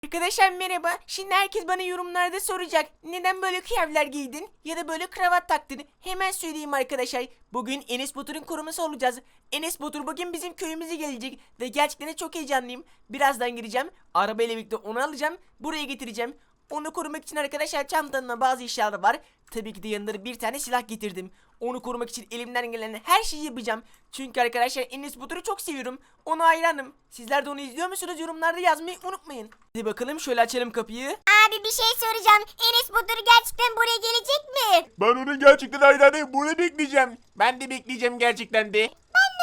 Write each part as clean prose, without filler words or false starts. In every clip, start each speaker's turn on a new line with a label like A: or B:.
A: Arkadaşlar merhaba. Şimdi herkes bana yorumlarda soracak. Neden böyle kıyafetler giydin ya da böyle kravat taktın? Hemen söyleyeyim arkadaşlar. Bugün Enes Batur'un koruması olacağız. Enes Batur bugün bizim köyümüze gelecek ve gerçekten de çok heyecanlıyım. Birazdan gireceğim. Arabayla birlikte onu alacağım. Buraya getireceğim. Onu korumak için arkadaşlar çantamda bazı eşyalar var. Tabii ki de yanında bir tane silah getirdim. Onu korumak için elimden gelen her şeyi yapacağım. Çünkü arkadaşlar Enes Batur'u çok seviyorum. Ona hayranım. Sizler de onu izliyor musunuz? Yorumlarda yazmayı unutmayın. Hadi bakalım şöyle açalım kapıyı.
B: Abi bir şey soracağım. Enes Batur gerçekten buraya gelecek mi?
C: Ben onun gerçekten hayranıyım. Bunu bekleyeceğim. Ben de bekleyeceğim gerçekten de.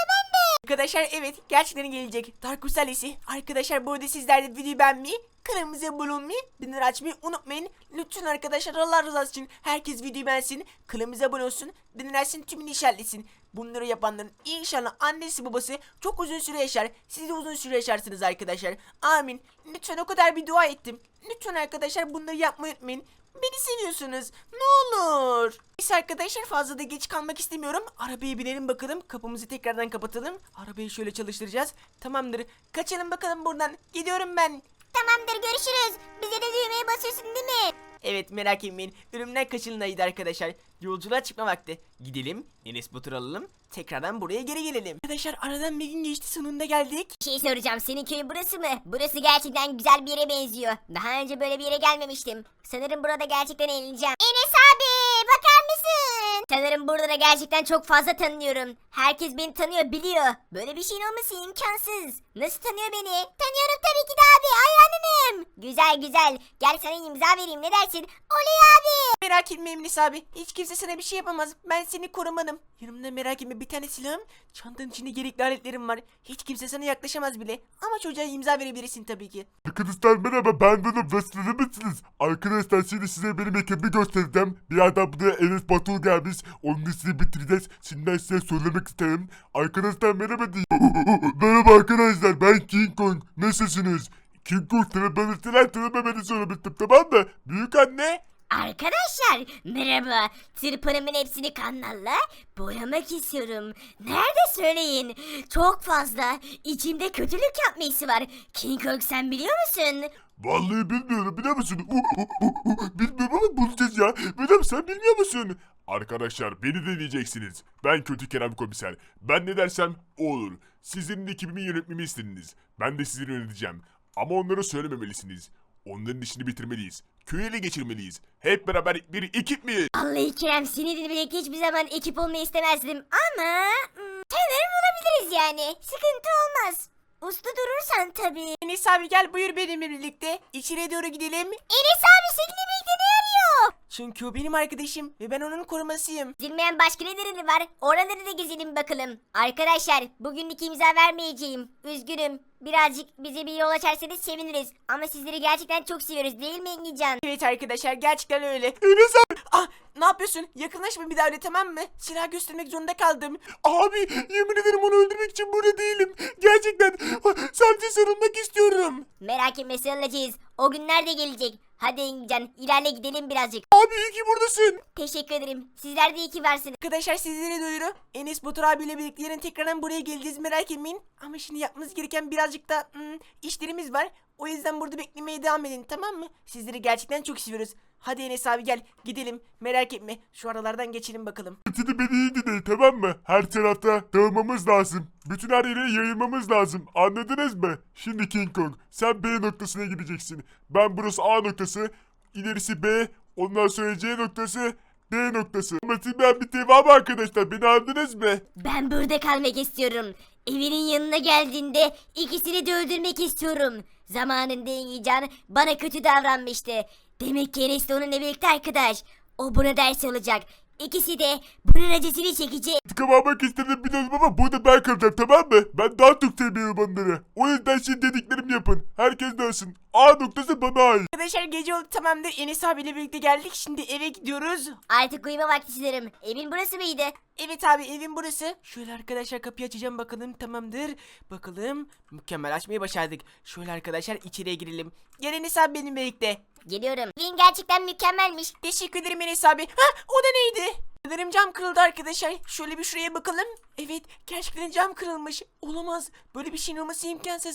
A: Arkadaşlar evet gerçekten gelecek. Darkus ailesi. Arkadaşlar bu arada sizler de videoyu beğenmeyi, kanalımıza abone olmayı, bildirimleri açmayı unutmayın. Lütfen arkadaşlar Allah rızası için herkes videoyu beğensin, kanalımıza abone olsun, bildirimleri açsın, tümünü işaretlesin. Bunları yapanların inşallah annesi babası çok uzun süre yaşar. Siz de uzun süre yaşarsınız arkadaşlar. Amin. Lütfen o kadar bir dua ettim. Lütfen arkadaşlar bunları yapmayı unutmayın. Beni seviyorsunuz. Ne olur. Biz arkadaşlar fazla da geç kalmak istemiyorum. Arabaya binelim bakalım. Kapımızı tekrardan kapatalım. Arabayı şöyle çalıştıracağız. Tamamdır. Kaçalım bakalım buradan. Gidiyorum ben.
B: Tamamdır, görüşürüz. Bize de düğmeye basıyorsun değil mi?
A: Evet merak etmeyin. Ölümden kaçınılaydı arkadaşlar. Yolculuğa çıkma vakti. Gidelim. Enes Batur alalım. Tekrardan buraya geri gelelim. Arkadaşlar aradan bir gün geçti, sonunda geldik.
B: Bir şey soracağım. Senin köyün burası mı? Burası gerçekten güzel bir yere benziyor. Daha önce böyle bir yere gelmemiştim. Sanırım burada gerçekten eğleneceğim. Enes abi bakar mısın? Sanırım burada da gerçekten çok fazla tanıyorum. Herkes beni tanıyor, biliyor. Böyle bir şeyin olması imkansız. Nasıl tanıyor beni? Tanıyorum tabii ki de abi. Hayranınım. Güzel güzel. Gel sana imza vereyim, ne dersin? Oley abi.
A: Merak etme Emlis abi. Hiç kimse sana bir şey yapamaz. Ben seni korumanım. Yanımda merak etme bir tane silahım. Çantanın içinde gerekli aletlerim var. Hiç kimse sana yaklaşamaz bile. Ama çocuğa imza verebilirsin tabii ki.
C: Arkadaşlar merhaba, ben Dönüm ve sizler misiniz? Arkadaşlar şimdi size benim ekibimi göstereceğim. Birazdan buraya Enes Batur gelmiş. Onun işini bitireceğiz. Şimdiden size söylemek isterim. Arkadaşlar merhaba diyeyim. Merhaba arkadaşlar, ben King Kong. Nasılsınız? King Kong tanımameni söylemiştim, tamam mı? Büyük anne.
B: Arkadaşlar merhaba. Tırpanımın hepsini kanalla boyamak istiyorum. Nerede söyleyin? Çok fazla. İçimde kötülük yapması var. King Kong, sen biliyor musun?
C: Vallahi bilmiyorum, biliyor musun? Bilmiyorum ama bulacağız ya. Bilmem, sen bilmiyor musun? Arkadaşlar beni dinleyeceksiniz. Ben kötü Kerem Komiser. Ben ne dersem o olur. Sizin ekibimi yönetmemi istediniz. Ben de sizi yöneteceğim. Ama onlara söylememelisiniz. Onların işini bitirmeliyiz. Köyü ele geçirmeliyiz. Hep beraber bir ekip miyiz?
B: Vallahi Kerem, seninle birlikte hiçbir zaman ekip olmayı istemezdim ama sanırım olabiliriz yani. Sıkıntı olmaz. Uslu durursan tabii.
A: Enes abi gel buyur benimle birlikte. İçeriye doğru gidelim.
B: Enes abi seninle birlikte ne arıyor?
A: Çünkü o benim arkadaşım ve ben onun korumasıyım.
B: Bilmeyen başka neleri var? Oraları da gezelim bakalım. Arkadaşlar bugünlük imza vermeyeceğim. Üzgünüm. Birazcık bize bir yol açarsanız seviniriz. Ama sizleri gerçekten çok seviyoruz, değil mi Engincan?
A: Evet arkadaşlar gerçekten öyle.
C: Enes abi.
A: Ah ne yapıyorsun? Yakınlaşma bir daha öyle, tamam mı? Silah göstermek zorunda kaldım.
C: Abi yemin ederim onu öldürmek için burada değilim. Gerçekten sadece sarılmak istiyorum.
B: Merak etme, sarılacağız. O günler de gelecek. Hadi Engincan, ilerle gidelim birazcık.
C: Abi iyi ki buradasın.
B: Teşekkür ederim. Sizler de iyi ki varsınız.
A: Arkadaşlar sizlere duyuru. Enes Batur abiyle birlikte yarın tekrardan buraya geleceğiz, merak etmeyin. Ama şimdi yapmanız gereken birazcık da işlerimiz var. O yüzden burada beklemeye devam edin, tamam mı? Sizleri gerçekten çok seviyoruz. Hadi Enes abi gel gidelim, merak etme. Şu aralardan geçelim bakalım.
C: Şimdi beni iyi dinleyin, tamam mı? Her tarafta dağılmamız lazım. Bütün her yere yayılmamız lazım. Anladınız mı? Şimdi King Kong, sen B noktasına gideceksin. Ben burası A noktası. İlerisi B. Ondan sonra C noktası. D noktası. Ama ben bir devam arkadaşlar. Beni anladınız mı?
B: Ben burada kalmak istiyorum. Evinin yanına geldiğinde ikisini de öldürmek istiyorum. Zamanında Engincan bana kötü davranmıştı. Demek ki Enes de onunla birlikte arkadaş. O buna ders olacak. İkisi de bunun acısını çekecek.
C: İntikam almak istedim biliyorum ama burada ben kalacağım, tamam mı? Ben daha çok seviyorum onları. O yüzden şimdi dediklerimi yapın. Herkes dönsün. A noktası bana ait.
A: Arkadaşlar gece oldu, tamamdır. Enes abiyle birlikte geldik. Şimdi eve gidiyoruz.
B: Artık uyuma vakti sanırım. Evin burası mıydı?
A: Evet abi evin burası. Şöyle arkadaşlar kapıyı açacağım bakalım, tamamdır. Bakalım mükemmel, açmayı başardık. Şöyle arkadaşlar içeriye girelim. Gel Enes abi benimle birlikte.
B: Geliyorum. Evin gerçekten mükemmelmiş.
A: Teşekkür ederim Enes abi. Ha o da neydi? Sanırım cam kırıldı arkadaşlar. Şöyle bir şuraya bakalım. Evet gerçekten cam kırılmış. Olamaz. Böyle bir şeyin olması imkansız.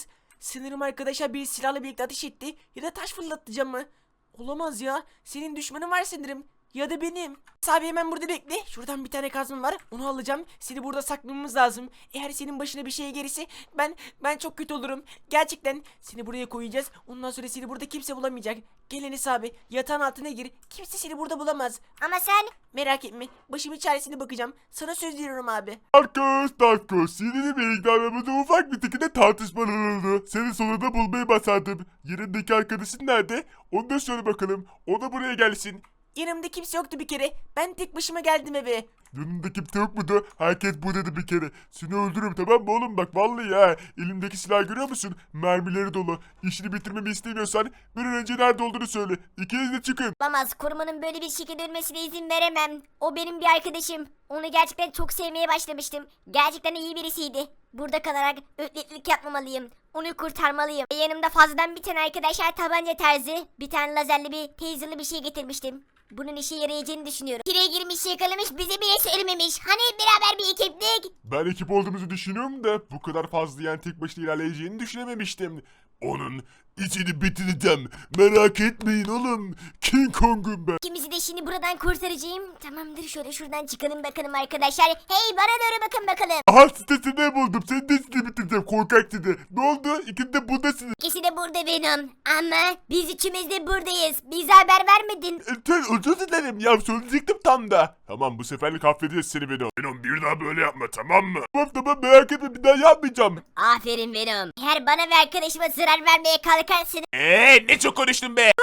A: Sanırım arkadaşlar bir silahla birlikte ateş etti ya da taş fırlattı camı. Olamaz ya. Senin düşmanın var sanırım. Ya da benim. Abi hemen burada bekle. Şuradan bir tane kazma var. Onu alacağım. Seni burada saklamamız lazım. Eğer senin başına bir şey gelirse ben çok kötü olurum. Gerçekten seni buraya koyacağız. Ondan sonra seni burada kimse bulamayacak. Gel Enes abi. Yatağın altına gir. Kimse seni burada bulamaz.
B: Ama sen
A: Merak etme. Başımın çaresine bakacağım. Sana söz veriyorum abi.
C: Darkus, seninle birlikte aramızda ufak bir şekilde tartışmalar oldu. Seni sonunda bulmayı başardım. Yerindeki arkadaşın nerede? Onu da söyle bakalım. O da buraya gelsin.
A: Yanımda kimse yoktu bir kere. Ben tek başıma geldim eve.
C: Yanında kimse yok mudu? Herkes buradaydı bir kere. Seni öldürürüm tamam mı oğlum bak vallahi ya. Elimdeki silah görüyor musun? Mermileri dolu. İşini bitirmemi istemiyorsan bir an önce nerede olduğunu söyle. İkiniz de çıkın.
B: olamaz. Korumanın böyle bir şekilde ölmesine izin veremem. O benim bir arkadaşım. Onu gerçekten çok sevmeye başlamıştım. Gerçekten iyi birisiydi. Burada kalarak ötletlik yapmamalıyım. Onu kurtarmalıyım. Ve yanımda fazladan bir tane arkadaşlar tabanca tarzı, bir tane lazerli bir taserlı bir şey getirmiştim. Bunun işe yarayacağını düşünüyorum. Kireye girmiş yakalamış bize bile söylememiş. Hani beraber bir ekiptik.
C: Ben ekip olduğumuzu düşünüyorum da bu kadar fazla yani tek başına ilerleyeceğini düşünememiştim. Onun içini bitireceğim. Merak etmeyin oğlum. King Kong'um ben.
B: İkimizi de şimdi buradan kurtaracağım. Tamamdır, şöyle şuradan çıkalım bakalım arkadaşlar. Hey, bana doğru bakın bakalım.
C: Aha sitesinde buldum. Senin de siteni bitireceğim korkak site. Ne oldu? İkiniz de buradasınız.
B: İkisi de burada Venom. Ama biz üçümüz de buradayız. Bize haber vermedin.
C: Sen özür dilerim ya söyleyecektim tam da. Tamam bu seferlik affedeceğiz seni Venom. Venom bir daha böyle yapma tamam mı? Tamam merak etme bir daha yapmayacağım.
B: Aferin Venom. Eğer bana ve arkadaşıma zarar vermeye kalkarsın.
C: Ne çok konuştun be.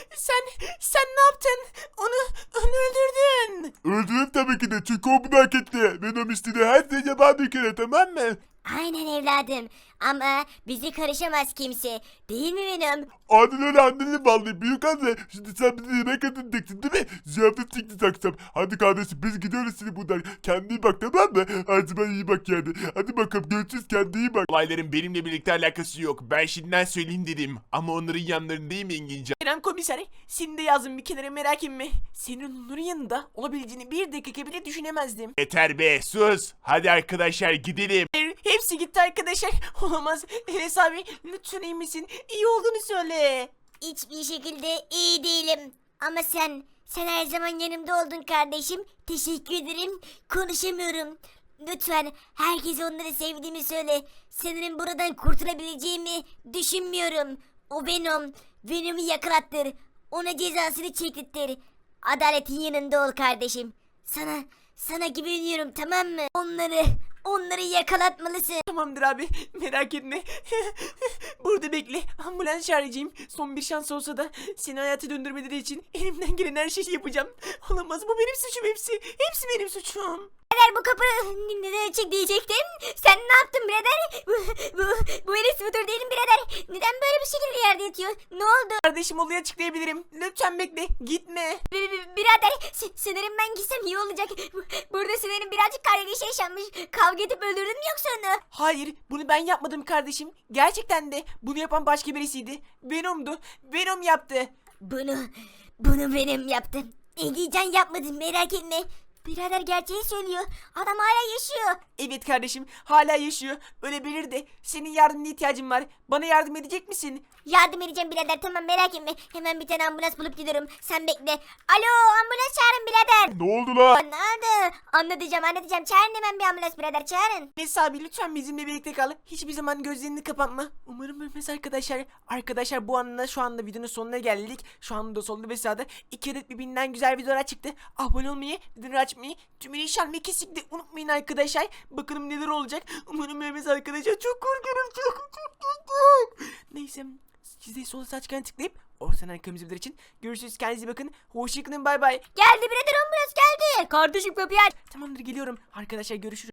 A: Sen ne yaptın? Onu öldürdün.
C: Öldürürüm tabii ki de çünkü o bunu hak etti. Venom istediği her şeyi yapar bir kere tamam mı?
B: Aynen evladım. Ama bizi karışamaz kimse. Değil mi Venom?
C: Adil öyle anneni vallahi büyük anne. Şimdi sen bize yemek edineceksin değil mi? Ziyafet çıktı akşam. Hadi kardeşim biz gidiyoruz şimdi buradan. Kendine iyi bak tamam mı? Hadi ben iyi bak yani. Hadi bakalım görüşürüz kendine iyi bak.
D: Olayların benimle birlikte alakası yok. Ben şimdiden söyleyeyim dedim. Ama onların yanlarındayım İngilizce.
A: Kerem komiser, seni de yazdım bir kenara, merak etme. Senin onların yanında olabileceğini bir dakika bile düşünemezdim.
D: Yeter be sus. Hadi arkadaşlar gidelim.
A: Hayır, hepsi gitti arkadaşlar. Olamaz. Enes abi lütfen iyi misin? İyi olduğunu söyle.
B: Hiçbir şekilde iyi değilim. Ama sen her zaman yanımda oldun kardeşim. Teşekkür ederim. Konuşamıyorum. Lütfen herkese onları sevdiğimi söyle. Sanırım buradan kurtulabileceğimi düşünmüyorum. O Venom'u yakalattır. Ona cezasını çektirtir. Adaletin yanında ol kardeşim. Sana güveniyorum tamam mı? Onları yakalatmalısın.
A: Tamamdır abi, merak etme. Burada bekle, ambulans çağıracağım. Son bir şans olsa da seni hayata döndürmeleri için elimden gelen her şeyi yapacağım. Olamaz, bu benim suçum hepsi. Hepsi benim suçum.
B: Birader bu kapı neden açık diyecektim. Sen ne yaptın birader? Bu Enes müdür değilim birader. Neden böyle bir şekilde yerde yatıyor? Ne oldu?
A: Kardeşim, olayı açıklayabilirim. Lütfen bekle, gitme.
B: Birader sanırım ben gitsem iyi olacak. Burada sanırım birazcık kargaşa yaşanmış. Kavga edip öldürdün mü yoksa onu?
A: Hayır, bunu ben yapmadım kardeşim. Gerçekten de bunu yapan başka birisiydi. Venom'du. Venom yaptı.
B: Bunu benim yaptım. Egecan yapmadım merak etme. Birader gerçeği söylüyor. Adam hala yaşıyor.
A: Evet kardeşim, hala yaşıyor. Ölebilir de. Senin yardımına ihtiyacım var. Bana yardım edecek misin?
B: Yardım edeceğim birader tamam merak etme. Hemen bir tane ambulans bulup gidiyorum. Sen bekle. Alo ambulans çağırın birader.
C: Ne oldu la?
B: Nerede? Anlatacağım. Çağırın hemen bir ambulans birader çağırın.
A: Neyse abi, lütfen bizimle birlikte kal. Hiçbir zaman gözlerini kapatma. Umarım ölmez arkadaşlar. Arkadaşlar bu anda şu anda videonun sonuna geldik. Şu anda solda ve sağda 2 adet birbirinden güzel videolar çıktı. Abone olmayı, videoları açmayı, tümünü işaretlemeyi kesinlikle unutmayın arkadaşlar. Bakalım neler olacak. Umarım ölmez arkadaşlar. Çok korkuyorum. Çok. Neyse. Siz de sol saçlarına tıklayıp ortadan arkamızı bilir için görüşürüz. Kendinize bakın. Hoşçakalın. Bay bay.
B: Geldi birader ambulans geldi. Kardeşim kapıyı aç.
A: Tamamdır, geliyorum. Arkadaşlar görüşürüz.